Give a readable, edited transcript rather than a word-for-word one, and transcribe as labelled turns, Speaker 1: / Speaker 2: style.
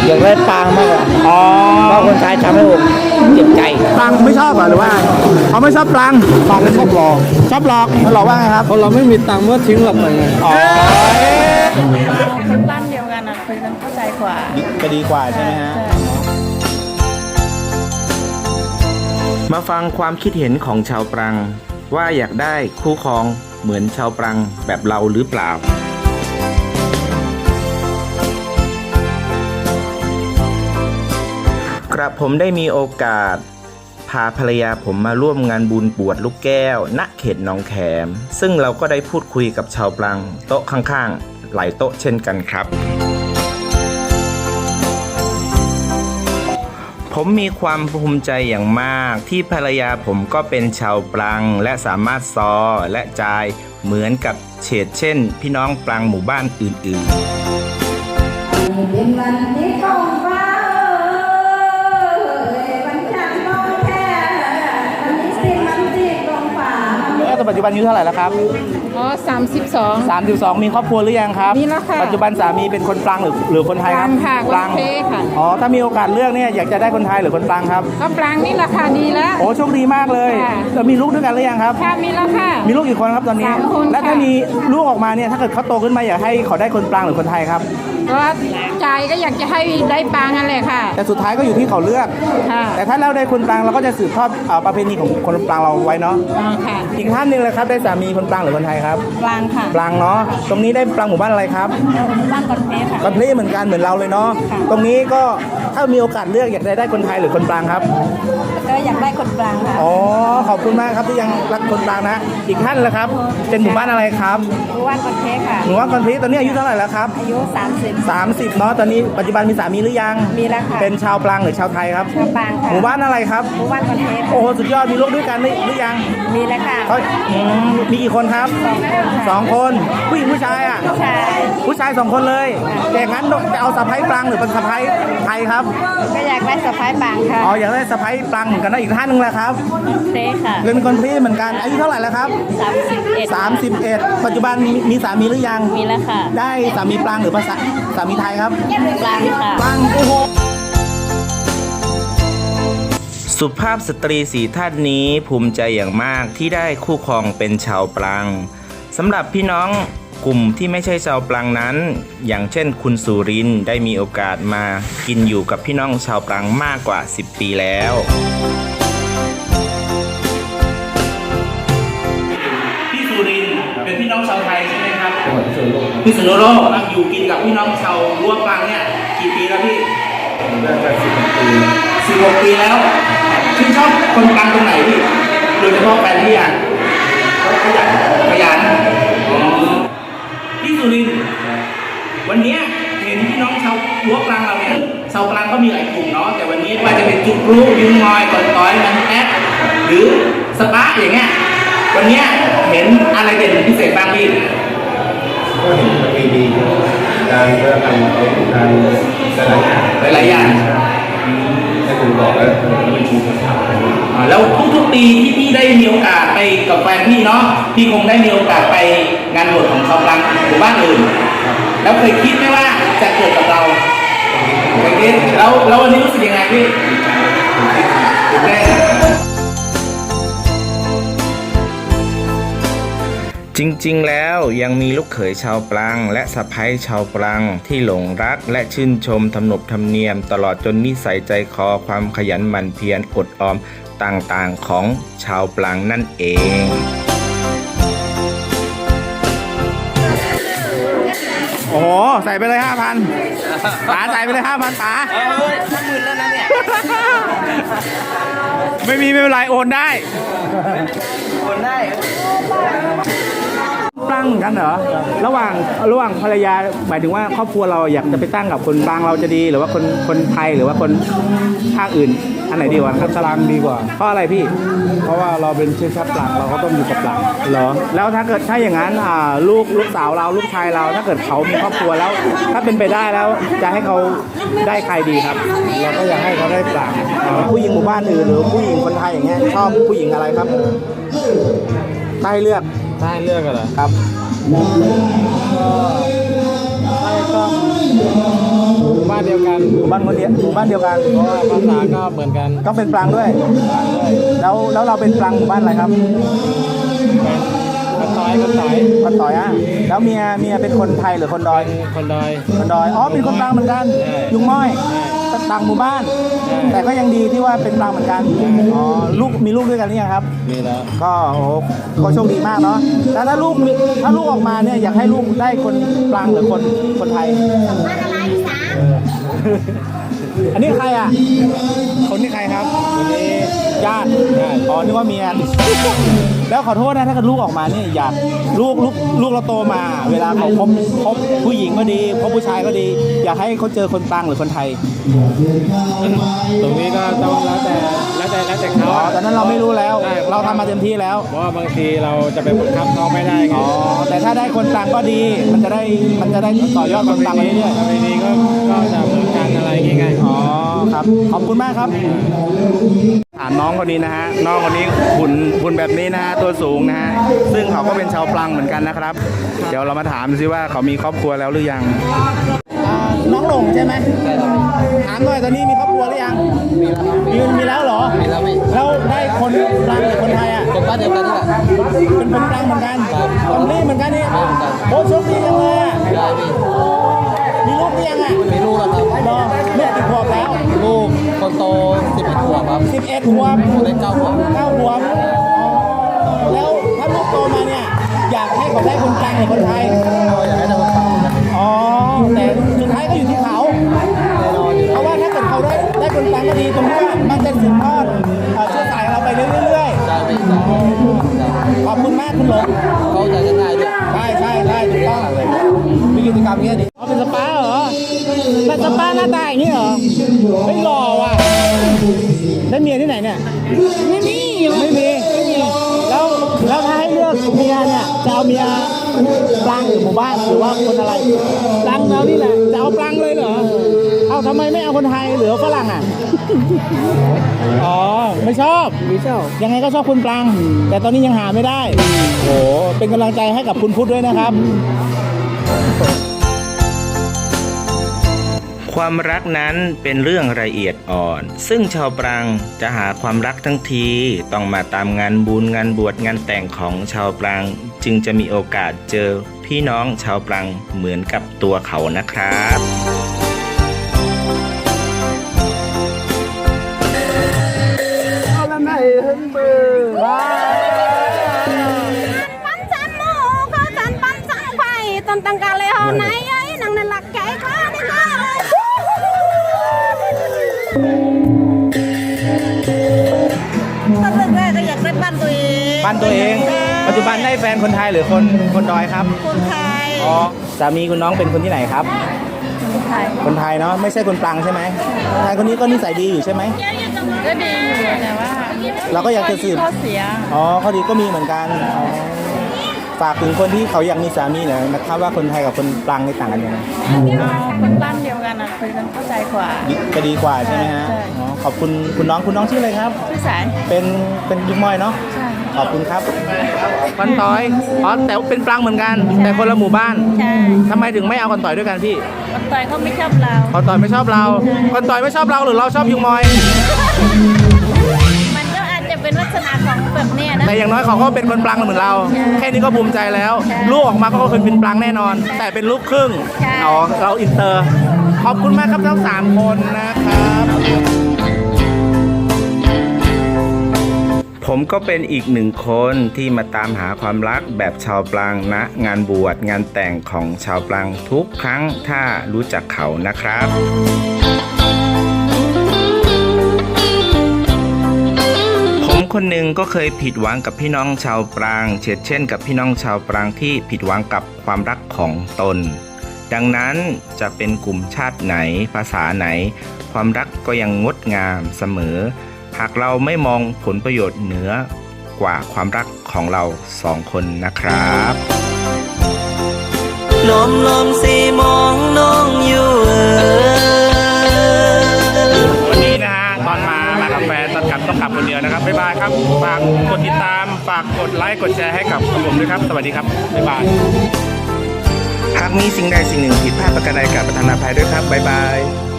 Speaker 1: อยากได้ปางมากกว่า
Speaker 2: อ๋อ
Speaker 1: เพราะคนไทยทำให้ผมเจ็บใจ
Speaker 2: ปลังไม่ชอบเหรอหรือว่าเขาไม่ชอบปลัง
Speaker 1: ปางชอบหลอก
Speaker 2: ชอบหลอกหลอกว่าไงครับ
Speaker 1: เพราะเราไม่มีตังค์เมื่อทิ้งเราไปไง
Speaker 2: อ๋อ
Speaker 3: คนบ้านเดียวกันคุยกันเข้าใจกว่า
Speaker 2: จะดีกว่าใช่ไหมฮะ
Speaker 4: มาฟังความคิดเห็นของชาวปรังว่าอยากได้คู่ครองเหมือนชาวปรังแบบเราหรือเปล่า กระผมได้มีโอกาสพาภรรยาผมมาร่วมงานบุญบวชลูกแก้วณเขตหนองแขมซึ่งเราก็ได้พูดคุยกับชาวปรังโต๊ะข้างๆหลายโต๊ะเช่นกันครับ ผมมีความภูมิใจอย่างมากที่ภรรยาผมก็เป็นชาวปรังและสามารถซอและจายเหมือนกับเฉดเช่นพี่น้องปรังหมู่บ้านอื่นๆ
Speaker 5: เป็นวันที่ท้องฟ้าวันจันทร์ร้อนแท้วันนี้สิ้นวันที่กองฟ้า
Speaker 2: แล้วปัจจุบันอายุเท่าไหร่แล้วครับ
Speaker 3: อ๋อ32
Speaker 2: 32มีครอบครัวหรือยังครับ
Speaker 3: มีแล้วค่ะ
Speaker 2: ปัจจุบันสามีเป็นคนปรังหรือคนไทยครับ
Speaker 3: ปรังค่ะคนไทยค่ะ
Speaker 2: อ๋อถ้ามีโอกาสเลือกเนี่ยอยากจะได้คนไทยหรือคนปรังครับ
Speaker 3: ก็ปรางนี่ราคาดีแล้ว
Speaker 2: โอ้โชคดีมากเลย
Speaker 3: ค่ะ
Speaker 2: แล้วมีลูกด้วยกันหรือยังครับ
Speaker 3: ค่ะมีแล้วค่ะ
Speaker 2: มีลูกกี่คนครับตอนนี้
Speaker 3: 3 คน
Speaker 2: และถ้า
Speaker 3: ค่ะ
Speaker 2: มีลูกออกมาเนี่ยถ้าเกิดเขาโตขึ้นมาอยากให้เขาได้คนปรังหรือคนไทยครับ
Speaker 3: ก็ใจก็อยากจะให้ได้ปางนั่นแหละค่ะ
Speaker 2: แต่สุดท้ายก็อยู่ที่เขาเลือก
Speaker 3: ค่ะ
Speaker 2: แต่ถ้าเราได้คนปรังเราก็จะสืบทอดประเพณีของคนปรังเราไว้เนาะ
Speaker 3: อ๋อค่ะ
Speaker 2: อีกท่านหนึ่งเลยครับได้สามีคนปรังหรือคนไทยครับ
Speaker 3: ปรางค่ะ
Speaker 2: ปรังเนาะตรงนี้ได้ปรังหมู่บ้านอะไรครับ
Speaker 3: บ้านกอนเพชรค่ะ
Speaker 2: กอนเพลเหมือนกันเหมือนเราเลยเนาะ
Speaker 3: ค่ะ
Speaker 2: ตรงนี้ก็ถ้ามีโอกาสเลือกอยากได้คนไทยหรือคนปรังครับ
Speaker 3: ก็อยากได้คนปรางค่ะ
Speaker 2: อ๋อขอบคุณมากครับที่ยังรักคนปรังนะอีกท่านละครับ เป็นหมู่บ้านอะไรครับ
Speaker 3: บ้านกอนเพชรค่ะ
Speaker 2: หมู่บ้านกอนเพลตอนนี้อายุเท่าไหร่แล้วครับ
Speaker 3: อายุ30
Speaker 2: 30เนาะตอนนี้ปัจจุบันมีสามีหรือยัง
Speaker 3: มีแล้วค่ะ
Speaker 2: เป็นชาวปรังหรือชาวไทยครับ
Speaker 3: ชาวปรางค่ะ
Speaker 2: หมู่บ้านอะไรครับ
Speaker 3: บ้านกอนเพชร
Speaker 2: โอ้โหสุดยอดมีลูกด้วยกันหรือยัง
Speaker 3: มีแล้วค่ะ
Speaker 2: เขามีกี่คนครับ2 คนผู้หญิงผู้ชายอ่ะ
Speaker 3: ใช่
Speaker 2: ผู้ชาย2 คนเลยแต่งั้นจะเอาสะพ้ายปรังหรือเป็นสะพ้ายไทยครับ
Speaker 3: ก็อยากได้สะพ้ายปรางค่ะ
Speaker 2: อ๋ออยากได้สะพ้ายปรังเหมือนกันนะอีกท่านหนึงแหละครับ
Speaker 3: เต้ค่ะ
Speaker 2: เป็นคนพี่เหมือนกันอายุเท่าไหร่แล้วครับ
Speaker 3: 31
Speaker 2: 31ปัจจุบันมีสามีหรือยัง
Speaker 3: มีแล้วค่ะ
Speaker 2: ได้สามีปรังหรือภาษาสามีไทยครับ
Speaker 3: ปรางค่ะ
Speaker 2: ปรังโอ้โห
Speaker 4: สุภาพสตรีสีท่านนี้ภูมิใจอย่างมากที่ได้คู่ครองเป็นชาวปรังสำหรับพี่น้องกลุ่มที่ไม่ใช่ชาวปรังนั้น อย่างเช่นคุณสุรินทร์ได้มีโอกาสมากินอยู่กับพี่น้องชาวปรังมากกว่า10 ปีแล้วพี่สุรินทร์เป็นพี่น้องชาวไทยใช่ไหมครับพี่สุนโลกอยู่กินกับพี่น้องชาวรั้วปรังเนี่ยกี่ปีแล้วพี่16 ปีแล้วชื่นชอบคนปรังตรงไหนพี่โดยเฉพาะแฟนพี่อ่ะขยันพี่สุรินทร์วันนี้เห็นพี่น้องชาวรั้วปรังเราเนี่ยชาวปรังก็มีหลายกลุ่มเนาะแต่วันนี้ว่าจะเป็นจุกรูยุงมอยก่อนต้อยมันแอดหรือสปาร์อย่างเงี้ยวันนี้เห็นอะไรเด่นพิเศษบ้างพี่
Speaker 6: ก็เห็นประเพณีการเรื่องการการหลายอย่าง
Speaker 4: หลายๆอย่าง
Speaker 6: ให้คุณบอกแล้วมันเป็นชูภาษา
Speaker 4: แล้วทุกๆปีที่พี่ได้มีโอกาสไปกับแฟนพี่เนาะพี่คงได้มีโอกาสไปงานบวชของชาวปรังหมู่บ้านอื่นแล้วเคยคิดไหมว่าจะเกิดกับเราเคยคิดแล้ววันนี้รู้สึกยังไงพี่ตื่นเต้นจริงๆแล้วยังมีลูกเขยชาวปรังและสะใภ้ชาวปรังที่หลงรักและชื่นชมทำนบธรรมเนียมตลอดจนนิสัยใจคอความขยันหมั่นเพียรอดออมต่างๆของชาวปรังนั่นเอง
Speaker 2: โอ้โหใส่ไปเลย 5,000ป๋าใส่ไปเลย 5,000ป๋า
Speaker 1: 50,000แล้วนะเนี่ย
Speaker 2: ไม่เป็นไรโอนได้
Speaker 1: คนได้
Speaker 2: ปรังกันเหรอระหว่างภรรยาหมายถึงว่าครอบครัวเราอยากจะไปตั้งกับคนปรังเราจะดีหรือว่าคนไทยหรือว่าคนภาคอื่นอันไหนดีกว่าครับ
Speaker 1: ปรังดีกว่า
Speaker 2: เพราะอะไรพี่
Speaker 1: เพราะว่าเราเป็นเชื้อชาติปรังเราก็ต้องอยู่กับปรัง
Speaker 2: เหรอแล้วถ้าอย่างนั้นลูกสาวเราลูกชายเราถ้าเกิดเขามีครอบครัวแล้ว ถ้าเป็นไปได้แล้วจะให้เขาได้ใครดีครับ
Speaker 1: เราก็อยากให้เขาได้ปรัง
Speaker 2: ผู้หญิงหมู่บ้านอื่นหรือผู้หญิงคนไทยอย่างเงี้ยชอบผู้หญิงอะไรครับถ้าให้เลือก
Speaker 1: ถ้าให้เลือกกันเหรอ
Speaker 2: ครับ
Speaker 1: ก็บ้านเดียวกัน
Speaker 2: หมู่บ้านคนเดียวหมู่บ้านเดียวกัน
Speaker 1: เพราะว่าภาษาก็เหมือนกัน
Speaker 2: ก็เป็นปรางด้วย
Speaker 1: ต่างด้วย
Speaker 2: แล้วเราเป็นปรางหมู่บ้านอะไรครับ
Speaker 1: เป็นคนต่อยคนต่อย
Speaker 2: คนต่อยอ่ะแล้วเมียเป็นคนไทยหรือคนดอย
Speaker 1: คนดอย
Speaker 2: คนดอยอ๋อเป็นคนปรางเหมือนกัน
Speaker 1: ใช่
Speaker 2: ยุงม้อย
Speaker 1: ใช่
Speaker 2: ต่างหมู่บ้าน
Speaker 1: ใช่
Speaker 2: แต่ก็ยังดีที่ว่าเป็นปรางเหมือนกันอ๋อลูกมีลูกด้วยกันหรือยังครับ
Speaker 1: มีแล้ว
Speaker 2: ก็โอ้โหก็โชคดีมากเนาะแล้วถ้าลูกออกมาเนี่ยอยากให้ลูกได้คนปรางหรือคนไทย อันนี้ใครอ่ะ คนนี้ใครครับคนนี้ญาติอ๋อนึกว่าเมีย แล้วขอโทษนะถ้าเกิดลูกออกมาเนี่ยอยากลูกเราโตมา เวลาเขาพบผู้หญิงก็ดีพบผู้ชายก็ดี อยากให้เขาเจอคนปรางหรือคนไทย
Speaker 1: ตรงนี้ก็ต้องแล้วแต่เขา
Speaker 2: อ๋อตอนนั้นเราไม่รู้แล้ว
Speaker 1: ใช่
Speaker 2: เราทำมาเต็มที่แล้ว
Speaker 1: เพราะว่าบางทีเราจะไปบังคับเขาไม่ได้ไง
Speaker 2: อ๋อแต่ถ้าได้คนปรางก็ดี มันจะได้ต่อยอดคนปรางไปเรื่อย
Speaker 1: ประเพณีก็จะเหมือนกันอะไรอย่างเงี้ย
Speaker 2: ๆอ๋อครับขอบคุณมากครับน้องคนนี้นะฮะน้องคนนี้หุ่นแบบนี้นะฮะตัวสูงนะฮะซึ่งเขาก็เป็นชาวปรางเหมือนกันนะครับ เดี๋ยวเรามาถามดูซิว่าเขามีครอบครัวแล้วหรือยังน้องหลงใช่ไหมใช่ครับถามหน่อยตอนนี้มีครอบครัวหรือยังมีแล้วเหรอมีแล้วแล้วได้คนปรางหรือคนไทยอ่ะคนบ้านเดียวกันนี่แหละเป็นคนปรางเหมือนกันคนนี้เหมือนกันนี่โอ้โชคดีจังเลยอ่ะมีลูกหรือยังอ่ะมีลูกแล้วครับลูกกี่ขวบแล้วลูกคนโต11 ขวบครับ11 ขวบคนเล็ก9 ขวบ9 ขวบแล้วถ้าลูกโตมาเนี่ยอยากให้เขาได้คนกลางหรือคนไทยอยากให้ได้คนกลางอ๋อแต่สุดท้ายก็อยู่ที่เขาเพราะว่าถ้าเกิดเขาได้คนกลางก็ดีตรงที่ว่ามันจะสืบทอดเชื้อสายเราไปเรื่อยๆขอบคุณมากคุณหลงเขาใจง่ายด้วยใช่ถูกต้องมีกิจกรรมเงี้ยดิเป็นสปาเหรอเป็นสปาหน้าตาอย่างนี้เหรอไม่หล่อว่ะได้เมียที่ไหนเนี่ยไม่มีแล้วถ้าให้เลือกเมียเนี่ยจะเอาเมียปรางหรือหมู่บ้านหรือว่าคนอะไรปรางเรานี่แหละจะเอาปรางเลยเหรอเอาทำไมไม่เอาคนไทยหรือฝรั่งอ่ะอ๋อไม่ชอบยังไงก็ชอบคุณปรางแต่ตอนนี้ยังหาไม่ได้โอ้เป็นกำลังใจให้กับคุณพุทธด้วยนะครับ
Speaker 4: ความรักนั้นเป็นเรื่องละเอียดอ่อน ซึ่งชาวปรางจะหาความรักทั้งทีต้องมาตามงานบุญงานบวชงานแต่งของชาวปรางจึงจะมีโอกาสเจอพี่น้องชาวปรางเหมือนกับตัวเขานะครับ
Speaker 5: Bắn sẵn mô có sẵn bắn sẵn quay tần tăng cả lệ hồ này ấy nàng này lạc cái khó đi khó Thật raก็อยากได้บ้านตัวเอง
Speaker 2: บ้านตัวเอง ปัจจุบันได้แฟนคนไทยหรือคนดอยครับ
Speaker 5: คนไทย
Speaker 2: อ๋อสามีคุณน้องเป็นคนที่ไหนครับ
Speaker 5: คนไทย
Speaker 2: คนไทยเนาะไม่ใช่คนปรางใช่ไหมคนไทยคนนี้ก็นิสัยดีอยู่ใช่ไหม
Speaker 3: ก็ดีอยู่แต่ว่า
Speaker 2: เราก็อยากจะสืบ
Speaker 3: ข้อเสีย
Speaker 2: อ๋อข้อดีก็มีเหมือนกันอ๋อฝากถึงคนที่เขาอยากมีสามีหน่อยนะครับว่าคนไทยกับคนปรางนี่ต่างกันยังไง
Speaker 3: เอาคนบ้านเดียวกันอ่ะคุยกันเข้าใจกว่า
Speaker 2: จะดีกว่าใช่ไหมฮะ
Speaker 3: ใช่
Speaker 2: อ๋อขอบคุณคุณน้องชื่ออะไรครับ
Speaker 3: ชื่อสาย
Speaker 2: เป็นยุ้งมอยเนาะ
Speaker 3: ใช่
Speaker 2: ขอบคุณครับคนต่อยอ๋อแต่เป็นปรางเหมือนกัน แต่คนละหมู่บ้าน
Speaker 3: ใช่
Speaker 2: ทำไมถึงไม่เอาคนต่อยด้วยกันพี่
Speaker 3: คนต่อยเขาไม่ชอบเรา
Speaker 2: คนต่อยไม่ชอบเราคนต่อยไม่ชอบเราหรือเราชอบยุงมอย
Speaker 3: มันก็อาจจะเป็นลักษณะของแบบเนี้ยนะ
Speaker 2: แต่อย่างน้อยเขาก็เป็นคนปรางเหมือนเรา แค่นี้ก็ภูมิใจแล้ว
Speaker 3: ใช่
Speaker 2: ลูกออกมาก็คือเป็นปรางแน่นอน แต่เป็นลูกครึ่ง
Speaker 3: ใช่
Speaker 2: อ๋อเราอินเตอร์ ขอบคุณมากครับทั้ง3 คนนะครับ
Speaker 4: ผมก็เป็นอีกหนึ่งคนที่มาตามหาความรักแบบชาวปรางณงานบวชงานแต่งของชาวปรางทุกครั้งถ้ารู้จักเขานะครับ ผมคนหนึ่งก็เคยผิดหวังกับพี่น้องชาวปรางเช่นกับพี่น้องชาวปรางที่ผิดหวังกับความรักของตน ดังนั้นจะเป็นกลุ่มชาติไหนภาษาไหน ความรักก็ยังงดงามเสมอ หากเราไม่มองผลประโยชน์เหนือกว่าความรักของเรา2 คนนะครับ
Speaker 7: ลมสีมองน้องอยู่
Speaker 2: วันนี้นะฮะตอนมากับแฟนตอนกลับต้องกลับคนเดียวนะครับบ๊ายบายครับฝากกดติดตามฝากกดไลค์กดแชร์ให้กับผมด้วยครับสวัสดีครับบ๊ายบาย
Speaker 4: หากมีสิ่งใดสิ่งหนึ่งผิดพลาดประการใดกราบประทานอภัยด้วยครับบ๊ายบาย